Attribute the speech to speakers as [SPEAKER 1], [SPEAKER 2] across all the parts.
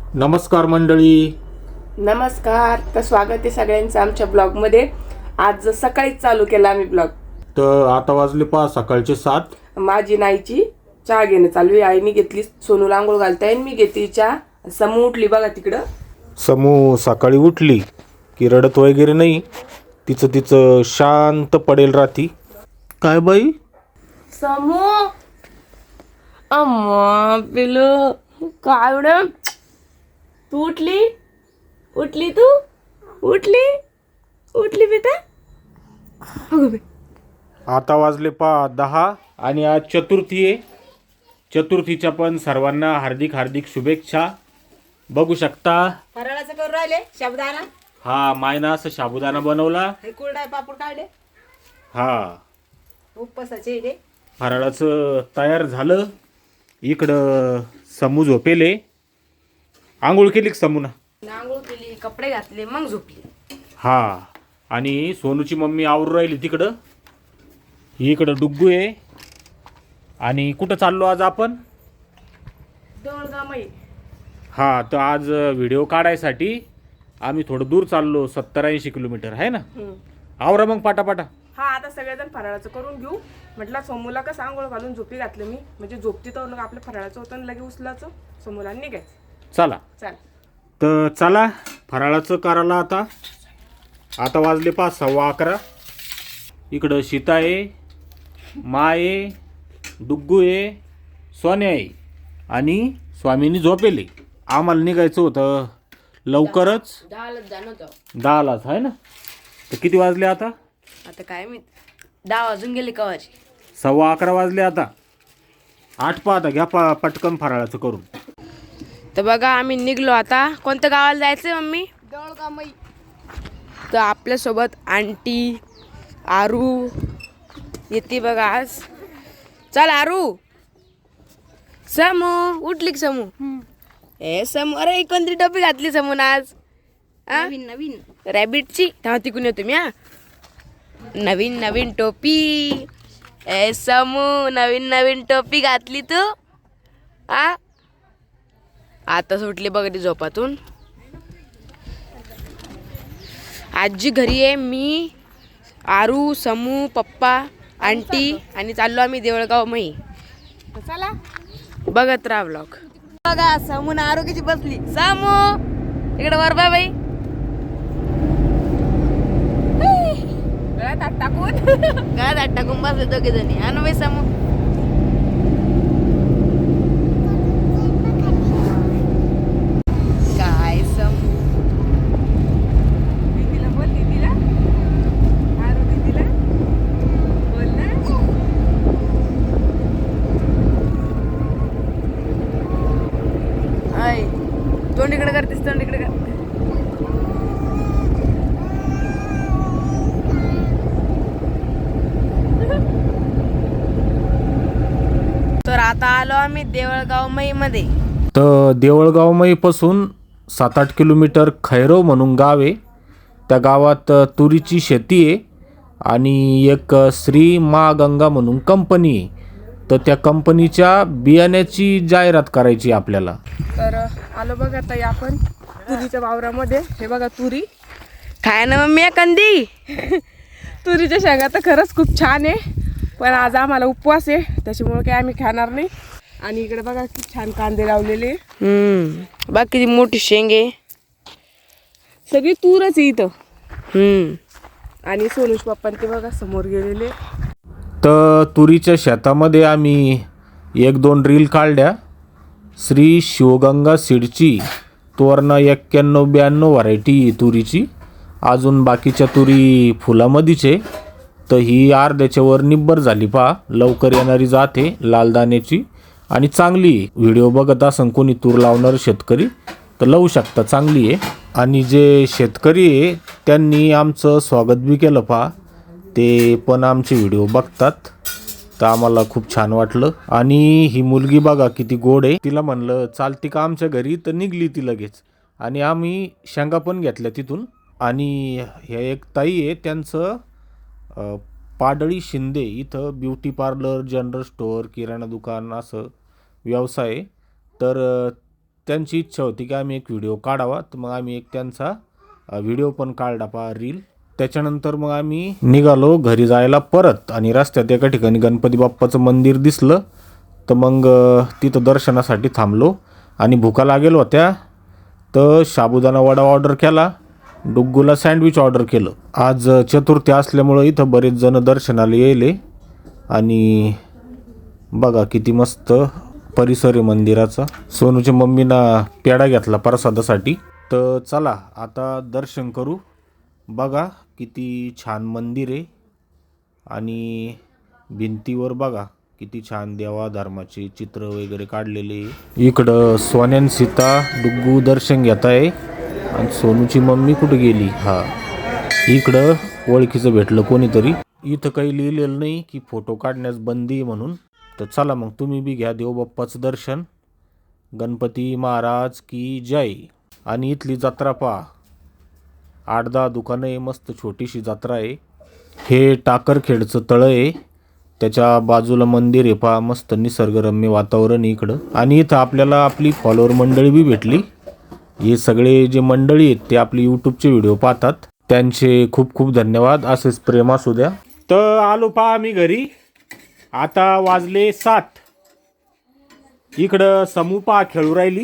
[SPEAKER 1] नमस्कार मंडळी.
[SPEAKER 2] नमस्कार. तर स्वागत आहे सगळ्यांचं आमच्या ब्लॉगमध्ये. आज सकाळीच चालू केला आम्ही ब्लॉग.
[SPEAKER 1] तर आता वाजले सकाळचे 7.
[SPEAKER 2] माझी नाईची चहा घेणं चालू आहे. आईने घेतली, सोनूला आंघोळ घालताय, मी घेतली चहा. समू उठली बघा तिकडं.
[SPEAKER 1] समू सकाळी उठली की रडत वगैरे नाही, तिचं शांत पडेल राहती. काय बाई?
[SPEAKER 2] समू अम्मा पिलू काय मॅडम, तू उठली तू उठली बेटा. अगं बाई.
[SPEAKER 1] आता वाजले 10 आणि आज चतुर्थी आहे. चतुर्थीच्या पण सर्वांना हार्दिक हार्दिक शुभेच्छा. बघू शकता
[SPEAKER 3] फराळाचं करून राहिले साबुदाणा.
[SPEAKER 1] हा मायना असं साबुदाणा बनवला.
[SPEAKER 3] हे कुरडा पापड काढले
[SPEAKER 1] हा
[SPEAKER 3] उपवासाचे हे.
[SPEAKER 1] फराळाचं तयार झालं. इकडं समू झोपेले. आंघोळ केली का समूना?
[SPEAKER 2] आंघोळ केली, कपडे घातले, मग झोपली.
[SPEAKER 1] हा आणि सोनूची मम्मी आवरून राहिली तिकडं. इकडं डुग्गू आहे. आणि कुठं चाललो आज आपण?
[SPEAKER 2] दोनगामई.
[SPEAKER 1] हा तर आज व्हिडिओ काढायसाठी आम्ही थोडं दूर चाललो, 70-80 किलोमीटर आहे ना. आवरा मग पाटापाटा.
[SPEAKER 2] हा आता सगळेजण फराळाचं करून घेऊ. म्हटलं समूला कसं आंघोळ घालून झोपी घातलं मी, म्हणजे झोपती तर आपलं फराळाचं होतं आणि लगे उचलाचं समूला निघायचं.
[SPEAKER 1] चला
[SPEAKER 2] चाल.
[SPEAKER 1] तर चला फराळाचं करायला. आता वाजले 11:15. इकडं सीता आहे, मा आहे, डुग्गू आहे, सोन्या आहे आणि स्वामीनी झोपेले. आम्हाला निघायचं होतं लवकरच, 10लाच आहे ना. तर किती वाजले आता?
[SPEAKER 2] आता काय मी 10 वाजून गेले कवाची.
[SPEAKER 1] 11:15 वाजले आता. 8 आता घ्या पटकन फराळाचं करून.
[SPEAKER 2] तर बघा आम्ही निघलो आता. कोणत्या गावाला जायचंय मम्मी?
[SPEAKER 3] दळगामई.
[SPEAKER 2] तर आपल्यासोबत आंटी आरू येते बघा आज. चल आरू. समू उठली का समू? ए समू, अरे कोणती टोपी घातली समून आज?
[SPEAKER 3] नवीन
[SPEAKER 2] रॅबिटची. तेव्हा तिकून येतो मी. नवीन टोपी. ए समू, नवीन टोपी घातली तू. आता सुटली बघ ती झोपातून. आजी घरी आहे, मी आरू समू पप्पा आंटी आणि चाललो आम्ही देवळगाव मही.
[SPEAKER 3] चला
[SPEAKER 2] बघत राहा ब्लॉग.
[SPEAKER 3] बघा समून आरोग्याची बसली.
[SPEAKER 2] समू इकडे वर बाय बाई. गळ्यात हात टाकून बसले दोघे जणी. आणू बाई समू. काय समू दीदीला बोल, दीदीला आरू दीदीला बोल ना. आय तोंड इकडे करतेस, तोंड इकडे कर. तर आता आलो आम्ही देवळगाव मई मध्ये.
[SPEAKER 1] तर देवळगावमईपासून 7-8 किलोमीटर खैरव म्हणून गाव आहे. त्या गावात तुरीची शेती आहे आणि एक श्री मा गंगा म्हणून कंपनी आहे. तर त्या कंपनीच्या बियाण्याची जाहिरात करायची आपल्याला.
[SPEAKER 2] तर आलो बघा ताई आपण तुरीच्या वावरामध्ये. हे बघा तुरी खाय ना मम्मी कंदी. तुरीच्या शेंगा तर खरंच खूप छान आहे, पण आज आम्हाला उपवास आहे त्याच्यामुळे काही आम्ही खाणार नाही. आणि इकडे बघा किती छान कांदे लावलेले. बघ किती मोठी शेंगे. सगळी तूरच आहे इथं. आणि सोनूश पप्पा ते बघा समोर गेलेले.
[SPEAKER 1] तर तुरीच्या शेतामध्ये आम्ही 1-2 रील काढल्या. श्री शिवगंगा सीडची तोरणा 91-92 व्हरायटी तुरीची. अजून बाकीच्या तुरी फुलामध्येच आहे. तर ही अर्ध्याच्या वर निब्बर झाली पहा. लवकर येणारी जाते लाल दाण्याची आणि चांगली. व्हिडिओ बघत असन कोणी तूर लावणार शेतकरी तर लावू शकता, चांगली आहे. आणि जे शेतकरी आहे त्यांनी आमचं स्वागत बी केलं पहा. ते पण आमचे व्हिडिओ बघतात, तर आम्हाला खूप छान वाटलं. आणि ही मुलगी बघा किती गोड आहे. तिला म्हणलं चालती का आमच्या घरी, तर निघली ती लगेच. आणि आम्ही शेंगा पण घेतल्या तिथून. आणि हे एक ताई आहे, त्यांचं पाडळी शिंदे इथं ब्युटी पार्लर, जनरल स्टोअर, किराणा दुकान असं व्यवसाय. तर त्यांची इच्छा होती की आम्ही एक व्हिडिओ काढावा, तर मग आम्ही एक त्यांचा व्हिडिओ पण काढला पहा रील. त्याच्यानंतर मग आम्ही निघालो घरी जायला परत, आणि रस्त्यात एका ठिकाणी गणपती बाप्पाचं मंदिर दिसलं, तर मग तिथं दर्शनासाठी थांबलो. आणि भुका लागेल होत्या, तर साबुदाणा वडा ऑर्डर केला, डुग्गूला सँडविच ऑर्डर केलं. आज चतुर्थी असल्यामुळं इथं बरेच जण दर्शनाला येले. आणि बघा किती मस्त परिसर आहे मंदिराचा. सोनूच्या मम्मीनं पेढा घेतला प्रसादासाठी. तर चला आता दर्शन करू. बघा किती छान मंदिर आहे, आणि भिंतीवर बघा किती छान देवा धर्माचे चित्र वगैरे काढलेले आहे. इकडं सोन्यान सीता डुग्गू दर्शन घेत आहे, आणि सोनूची मम्मी कुठे गेली? हा, इकडं ओळखीचं भेटलं कोणीतरी. इथं काही लिहिलेलं नाही की फोटो काढण्यास बंदी आहे म्हणून. तर चला मग तुम्ही बी घ्या देवबाप्पाचं दर्शन. गणपती महाराज की जय. आणि इथली जत्रा पहा, 8-10 दुकानं आहे, मस्त छोटीशी जत्रा आहे. हे टाकरखेडचं तळं आहे, त्याच्या बाजूला मंदिर आहे पहा, मस्त निसर्गरम्य वातावरण आहे इकडं. आणि इथं आपल्याला आपली फॉलोअर मंडळी बी भेटली. हे सगळे जे मंडळी आहेत ते आपले यूट्यूबचे व्हिडिओ पाहतात, त्यांचे खूप खूप धन्यवाद. असेच प्रेम असू द्या. तर आलो पहा आम्ही घरी. आता वाजले 7. इकडं समूह पहा खेळू राहिली.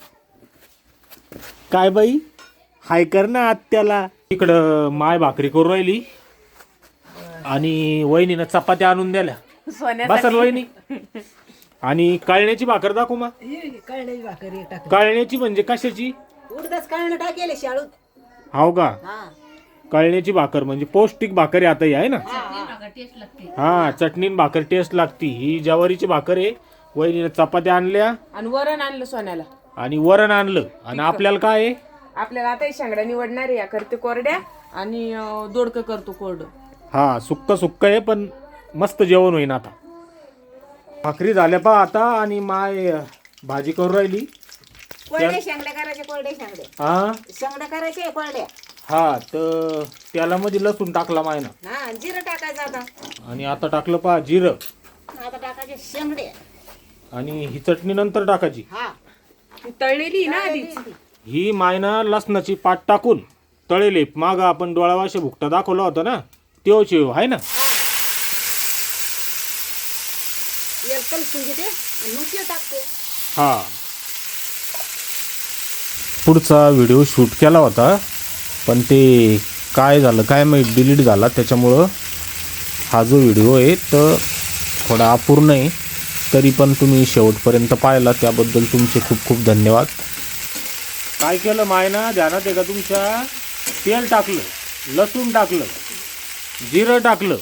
[SPEAKER 1] काय बाई, हाय कर ना आत्याला. इकडं माय भाकरी करू राहिली, आणि वहिनीनं चपात्या आणून द्याल्या. बसल वहिनी. आणि कळण्याची भाकर दाखव मा.
[SPEAKER 3] कळण्याची भाकरी टाक.
[SPEAKER 1] कळण्याची म्हणजे कशाची?
[SPEAKER 3] उडदाच कळणं टाकेले शाळूत.
[SPEAKER 1] हाव का?
[SPEAKER 3] हा
[SPEAKER 1] कळण्याची भाकर म्हणजे पौष्टिक भाकर आहे आता ही, आहे ना? हा, चटणी भाकर टेस्ट लागती. ही ज्वारीची भाकर आहे. वहिनीनं चपात्या आणल्या,
[SPEAKER 2] आणि वरण आणलं सोन्याला,
[SPEAKER 1] आणि वरण आणलं. आणि आपल्याला काय आहे?
[SPEAKER 2] आपल्याला आता शेंगड्या निवडणार आहे. या करते कोरड्या, आणि दोडकं करतो कोरडं.
[SPEAKER 1] हा, सुक्क आहे, पण मस्त जेवण होईन आता. भाकरी झाल्या पहा आता, आणि माय भाजी करू राहिली.
[SPEAKER 3] कोरड्या शेंगड्या करायचे. कोरड्या शेंगड्या
[SPEAKER 1] हा
[SPEAKER 3] शेंगड्या करायचे कोरड्या.
[SPEAKER 1] हा, तर त्याला मध्ये लसूण टाकला मायनं,
[SPEAKER 3] हा जिरं टाकायचं आता.
[SPEAKER 1] आणि आता टाकलं पहा जिरं.
[SPEAKER 3] आता टाकायचे शेंगडे.
[SPEAKER 1] आणि ही चटणी नंतर टाकायची.
[SPEAKER 3] हा
[SPEAKER 2] ती तळलेली ना आधीच.
[SPEAKER 1] ही मायनं लसणाची पाट टाकून तळेले. मागं आपण डोळावाशे भुकटा दाखवला होता ना, तेव्हाच आहे ना.
[SPEAKER 3] एक कलसून घेते आणि मग ते टाकते.
[SPEAKER 1] हा, पुढचा व्हिडिओ शूट केला होता, पण ते काय झालं काय माहीत, डिलीट झाला. त्याच्यामुळं हा जो व्हिडिओ आहे तर थोडा अपूर्ण आहे. तरी पण तुम्ही शेवटपर्यंत पाहिला त्याबद्दल तुमचे खूप खूप धन्यवाद. काय केलं मायना ध्यानात आहे का तुमच्या? तेल टाकलं, लसूण टाकलं, जिरं टाकलं,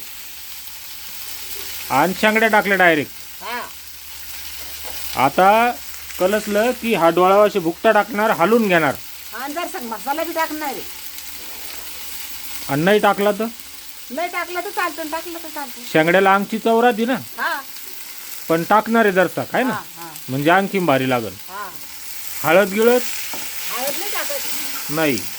[SPEAKER 1] आणि शेंगड्या टाकल्या डायरेक्ट.
[SPEAKER 3] हा
[SPEAKER 1] आता कलसलं की हा डोळावाशी भुकटा टाकणार, हलवून घेणार.
[SPEAKER 3] आणि जर मसाला बी टाकणार आहे.
[SPEAKER 1] आणि नाही टाकला तर
[SPEAKER 3] नाही टाकलं तर चालतं, टाकलं तर चालतं.
[SPEAKER 1] शेंगड्याला अंगची चव राहते ना,
[SPEAKER 3] हा
[SPEAKER 1] पण टाकणार आहे जरसा, काय ना,
[SPEAKER 3] हा
[SPEAKER 1] म्हणजे आणखीन भारी लागल.
[SPEAKER 3] हा
[SPEAKER 1] हळद गिळत
[SPEAKER 3] हळद नाही टाकायची.
[SPEAKER 1] नाही.